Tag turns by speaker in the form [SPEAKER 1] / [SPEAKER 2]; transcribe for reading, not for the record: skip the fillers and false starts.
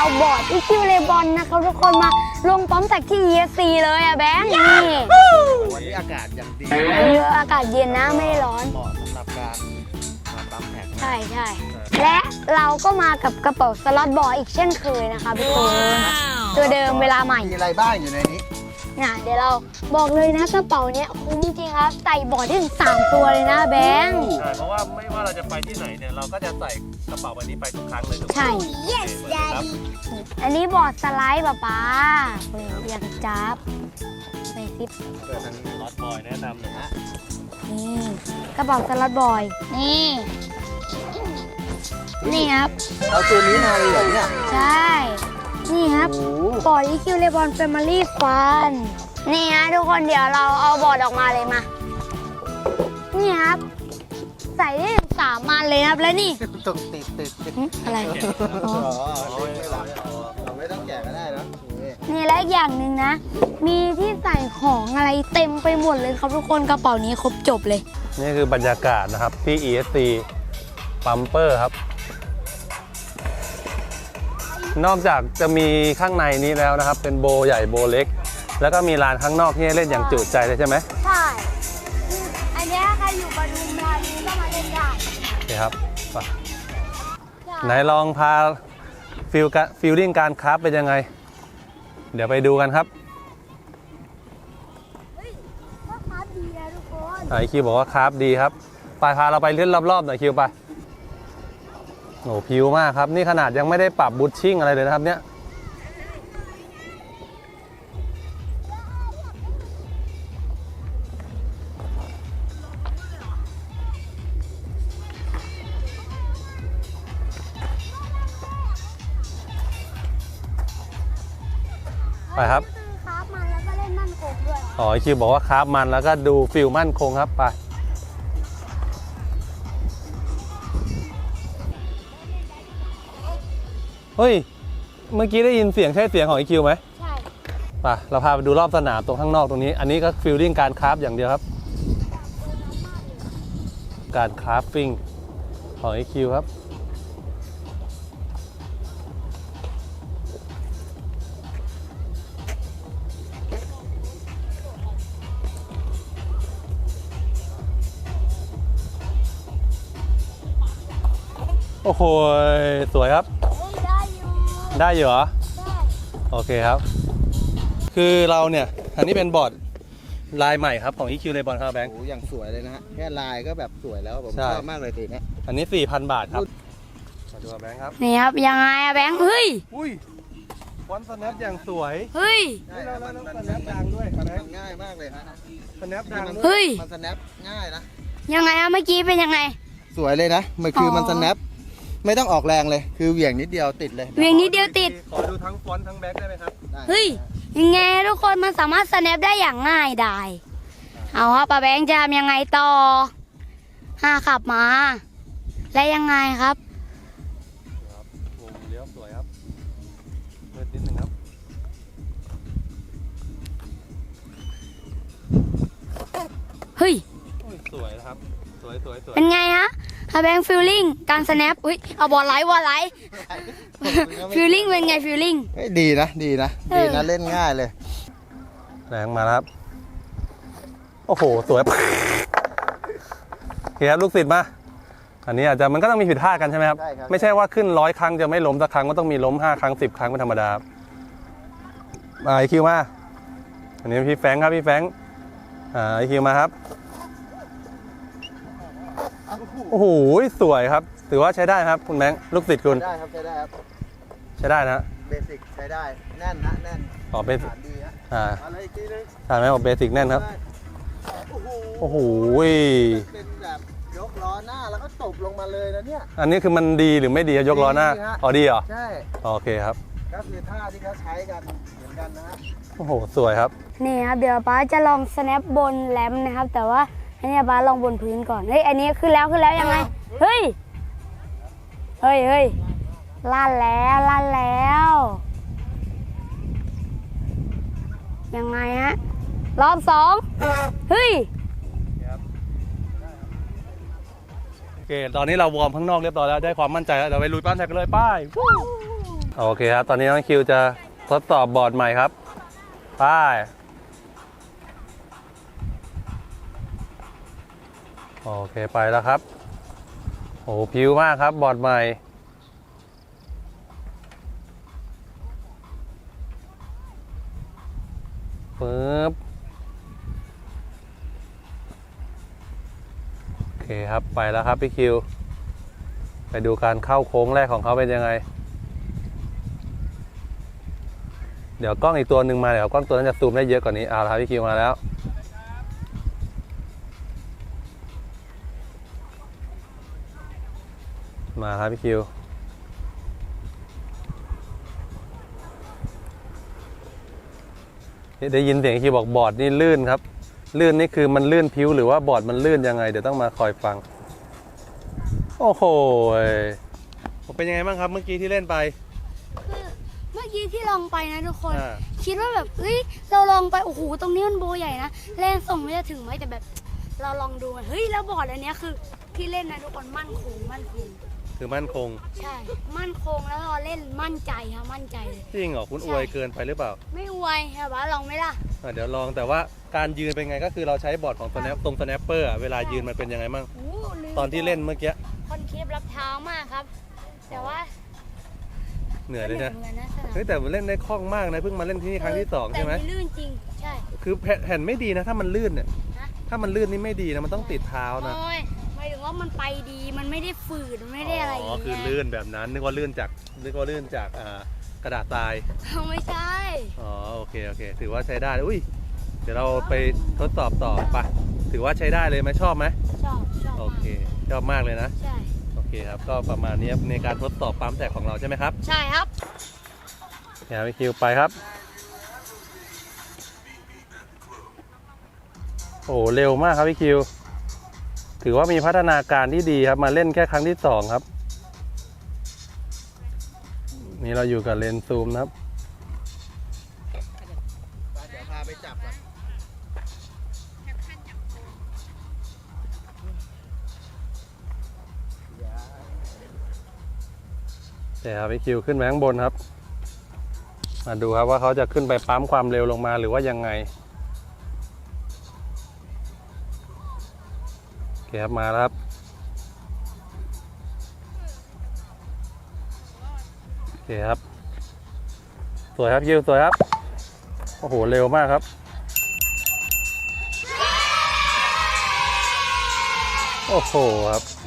[SPEAKER 1] เอาบอร์ดที่คิวเลบอนนะครับทุกคนมาลงปั๊มแท็กที่ ESC เลยอะแบงค์นี่
[SPEAKER 2] วันนี้อากาศอย่างดี
[SPEAKER 1] อากาศเย็นนะไม่ร้อน
[SPEAKER 2] เหมาะสำหรับการมาปั๊มแท็ก
[SPEAKER 1] ใช่และเราก็มากับกระเป๋าสล็อตบอร์ดอีกเช่นเคยนะคะทุกคนตัวเดิมเวลาใหม่
[SPEAKER 2] มีอะไรบ้างอยู่ในนี้
[SPEAKER 1] เดี๋ยวเราบอกเลยนะกระเป๋าเนี้ยคุ้มจริงครับใส่บอร์ดได้ถึง3ตัวเลยนะแบงค์
[SPEAKER 3] ใช่เพราะว่าไม่ว่าเราจะไปที่ไหนเนี่ยเราก็จะใส่กระเป๋าใบนี้ไปทุกครั้งเลย
[SPEAKER 1] ใช่
[SPEAKER 3] yes daddy
[SPEAKER 1] อันนี้บอร์ดสไลด์ป๊าอยากจับใส่ซิป
[SPEAKER 3] เกิดทางนี้ล็อตบอยแนะนำเลยฮะ
[SPEAKER 1] นี่กระเป๋าสล็อตบอยนี่ครับ
[SPEAKER 2] เอาตัวนี้มาเลยเหรอเนี่ย
[SPEAKER 1] ใช่นี่ครับบอร์ด EQ Lebon Family Fun นี่ฮะทุกคนเดี๋ยวเราเอาบอร์ดออกมาเลยมานี่ครับใส่ได้ถึง3 อันเลยครับแล้วนี่
[SPEAKER 2] ติด
[SPEAKER 1] อะไร
[SPEAKER 2] อ๋อเราไม่ต้องแกะก็ได้นะ
[SPEAKER 1] นี่และอีกอย่างหนึ่งนะมีที่ใส่ของอะไรเต็มไปหมดเลยครับทุกคนกระเป๋านี้ครบจบเลย
[SPEAKER 3] นี่คือบรรยากาศนะครับที่ ESC ปั๊มเปอร์ครับนอกจากจะมีข้างในนี้แล้วนะครับเป็นโบใหญ่โบเล็กแล้วก็มีลานข้างนอกที่ให้เล่นอย่างจุใจเลยใช่ไหม
[SPEAKER 1] ใช่อันนี้ใครอยู่ปทุมธานีก็มาเล่นได้
[SPEAKER 3] โอเคครับไหนลองพาฟิลลิ่งการคราฟเป็นยังไงเดี๋ยวไปดูกันครับ
[SPEAKER 1] ก็คราฟดีนะทุกคน
[SPEAKER 3] ไอคิวบอกว่าคราฟดีครับไปพาเราไปเล่นรอบๆหน่อยคิวไปโอ้ผิวมากครับนี่ขนาดยังไม่ได้ปรับบูทชิ่งอะไรเลยนะครับเนี่ยไปครับ
[SPEAKER 1] คราฟมันแล้วก็เล่นมั่นคงด้วย
[SPEAKER 3] อ๋อคิวบอกว่าคราฟมันแล้วก็ดูฟิลมั่นคงครับไปเฮ้ยเมื่อกี้ได้ยินเสียงใช่เสียงของไอคิวไหม
[SPEAKER 1] ใช่
[SPEAKER 3] ป่ะเราพาไปดูรอบสนามตรงข้างนอกตรงนี้อันนี้ก็ฟิลลิ่งการคราฟอย่างเดียวครับการคราฟฟิ้งของไอคิวครับโอ้โหสวยครับได้อยู่เหรอโอเคครับคือเราเนี่ยอันนี้เป็นบอร์ดลายใหม่ครับของ EQ Lebon ครับแบงค์
[SPEAKER 2] โอ้อย่างสวยเลยนะฮะแค่ลายก็แบบสวยแล้วผมชอบมากเลยทีนี้
[SPEAKER 3] อันนี้ 4,000 บาทครับมาดูแบงค์ครับ
[SPEAKER 1] นี่ครับยังไงอะแบงค์เฮ้ย
[SPEAKER 3] อุ้ยฟอนต์สแนปอย่างสวย
[SPEAKER 1] เฮ้ย
[SPEAKER 2] แล้วสแนปดังด้วยง่ายมากเลยฮะ
[SPEAKER 3] สแนปดัง
[SPEAKER 1] เฮ้ย
[SPEAKER 2] มันสแนปง่ายนะ
[SPEAKER 1] ยังไงอะเมื่อกี้เป็นยังไง
[SPEAKER 2] สวยเลยนะมันคือมันสแนปไม่ต้องออกแรงเลยคือเหวี่ยงนิดเดียวติดเลย
[SPEAKER 1] เหวี่ยงนิดเดียวติด
[SPEAKER 3] ขอดูทั้งฟอนต์ทั้งแบ็คได้ไหมครับ
[SPEAKER 1] เฮ้ยยังไงทุกคนมันสามารถสแนปได้อย่างง่ายดายเอาครับป้าแบงค์จะทำยังไงต่อขับมาและยังไงครับ
[SPEAKER 3] วงเลี้ยวสวยครับเปิดนิดนึงครับ
[SPEAKER 1] เฮ้ย
[SPEAKER 3] สวยนะครับสวย
[SPEAKER 1] เป็นไงฮะแบงค์ฟิลลิ่งการสแนปอุ้ยเอาบอลไลท์ฟิลลิ่งเป็นไงฟิลลิ่ง
[SPEAKER 2] ดีนะเล่นง่ายเลย
[SPEAKER 3] แรงมาครับโอ้โหสวยโอเคครับลูกศิษย์มาอันนี้อาจจะมันก็ต้องมีผิดพลาดกันใช่ไหมครับไม่ใช่ว่าขึ้น100 ครั้งจะไม่ล้มสักครั้งก็ต้องมีล้ม5 ครั้ง10 ครั้งเป็นธรรมดามาไอคิวมาอันนี้พี่แฟงครับพี่แฟงไอคิวมาครับโอ้โหสวยครับถือว่าใช้ได้ครับคุณแบงค์ลูกศิษย์คุณ
[SPEAKER 2] ได้ครับใช้ได้ครับ
[SPEAKER 3] ใช้ได้นะ
[SPEAKER 2] เบสิกใช้ได้แน่นนะแน่น
[SPEAKER 3] อ๋อเบสิก
[SPEAKER 2] ดีฮะ
[SPEAKER 3] อะไรอีกทีนึงใช่ไหมบอกเบสิกแน่นครับโอ้โห
[SPEAKER 2] เป็นแบบยกล้อหน้าแล้วก็ตบลงมาเลยนะเนี่ย
[SPEAKER 3] อันนี้คือมันดีหรือไม่ดียกล้อหน้าอ๋อดีเหรอ
[SPEAKER 2] ใช่
[SPEAKER 3] โอเคครับ
[SPEAKER 2] ก็คือท่าที่เขาใช้กันเหมือนกันนะฮะ
[SPEAKER 3] โอ้โหสวยครับ
[SPEAKER 1] นี่ครับเดี๋ยวป้าจะลองสแนปบนแรมนะครับแต่ว่าอันนี้ป้าลองบนพื้นก่อนเฮ้ยอันนี้ขึ้นแล้วยังไงเฮ้ยลั่นแล้วยังไงฮะรอบ2เฮ้ย
[SPEAKER 3] โอเคตอนนี้เราวอร์มข้างนอกเรียบร้อยแล้วได้ความมั่นใจแล้วเดี๋ยวไปลุยปั้นแท็กกันเลยป้ายโอเคครับ ตอนนี้น้องคิวจะทดสอบบอร์ดใหม่ครับไปโอเคไปแล้วครับโอ้พิ้วมากครับบอร์ดใหม่ปึ๊บโอเคครับไปแล้วครับพี่คิวไปดูการเข้าโค้งแรกของเขาเป็นยังไงเดี๋ยวกล้องอีกตัวหนึ่งมาเดี๋ยวกล้องตัวนั้นจะซูมได้เยอะกว่านี้เอาละครับพี่คิวมาแล้วมาครับพี่คิวได้ยินเสียงคิวบอกบอร์ดนี่ลื่นครับลื่นนี่คือมันลื่นพิ้วหรือว่าบอร์ดมันลื่นยังไงเดี๋ยวต้องมาคอยฟังโอ้โหเป็นยังไงบ้างครับเมื่อกี้ที่เล่นไป
[SPEAKER 1] คือเมื่อกี้ที่ลองไปนะทุกคนคิดว่าแบบเฮ้ยเราลองไปโอ้โหตรงนี้มันโบใหญ่นะเล่นส่งไม่จะถึงไหมแต่แบบเราลองดูเฮ้ยแล้วบอร์ดอันนี้คือที่เล่นนะทุกคนมั่นคง
[SPEAKER 3] คือมั่นคง
[SPEAKER 1] ใช่มั่นคงแล้วเราเล่นมั่นใจครับมั่นใจเลย
[SPEAKER 3] จริงเหรอคุณอวยเกินไปหรือเปล่า
[SPEAKER 1] ไม่อวยครับว่าลองไหมล่ะ
[SPEAKER 3] เดี๋ยวลองแต่ว่าการยืนเป็นไงก็คือเราใช้บอร์ดของตรงสแนปเปอร์เวลายืนมันเป็นยังไงมั่งตอนที่เล่นเมื่อกี้
[SPEAKER 1] คอนเคปรับเท้ามากครับแต่ว่า
[SPEAKER 3] เหนื่อยเลยนะเฮ้ยแต่เล่นได้คล่องมากนะเพิ่งมาเล่นที่นี่ครั้งที่2ใช่ไหม
[SPEAKER 1] แต่ลื่นจริงใช่
[SPEAKER 3] คือแผ่นไม่ดีนะถ้ามันลื่นเนี่ยถ้ามันลื่นนี่ไม่ดีนะมันต้องติดเท้านะ
[SPEAKER 1] หมายถึงว่ามันไปดีมันไม่ได้ฝืดไม่ได้อะไร
[SPEAKER 3] อ๋อคือลื่นแบบนั้นนึกว่าลื่นจากกระดาษทราย
[SPEAKER 1] ไม่ใช่
[SPEAKER 3] อ๋อโอเคถือว่าใช้ได้อุ้ยเดี๋ยวเราไปทดสอบต่อไปถือว่าใช้ได้เลยไหมชอบไหม
[SPEAKER 1] ชอบ
[SPEAKER 3] โอเคชอบมากเลยนะ
[SPEAKER 1] ใช่
[SPEAKER 3] โอเคครับก็ประมาณนี้ในการทดสอบปั๊มแตกของเราใช่ไหมครับ
[SPEAKER 1] ใช่ครับ
[SPEAKER 3] เดี๋ยวพี่คิวไปครับโอ้เร็วมากครับพี่คิวถือว่ามีพัฒนาการที่ดีครับมาเล่นแค่ครั้งที่2ครับนี่เราอยู่กับเลนส์ซูมนะครับ
[SPEAKER 2] เดี๋ยวพาไปจับ
[SPEAKER 3] เดี๋ยวพี่คิวขึ้นไปข้างบนครับมาดูครับว่าเขาจะขึ้นไปปั๊มความเร็วลงมาหรือว่ายังไงโอเคครับมาแล้วครับโอเคครับสวยครับคิวสวยครับโอ้โหเร็วมากครับโอ้โหครับ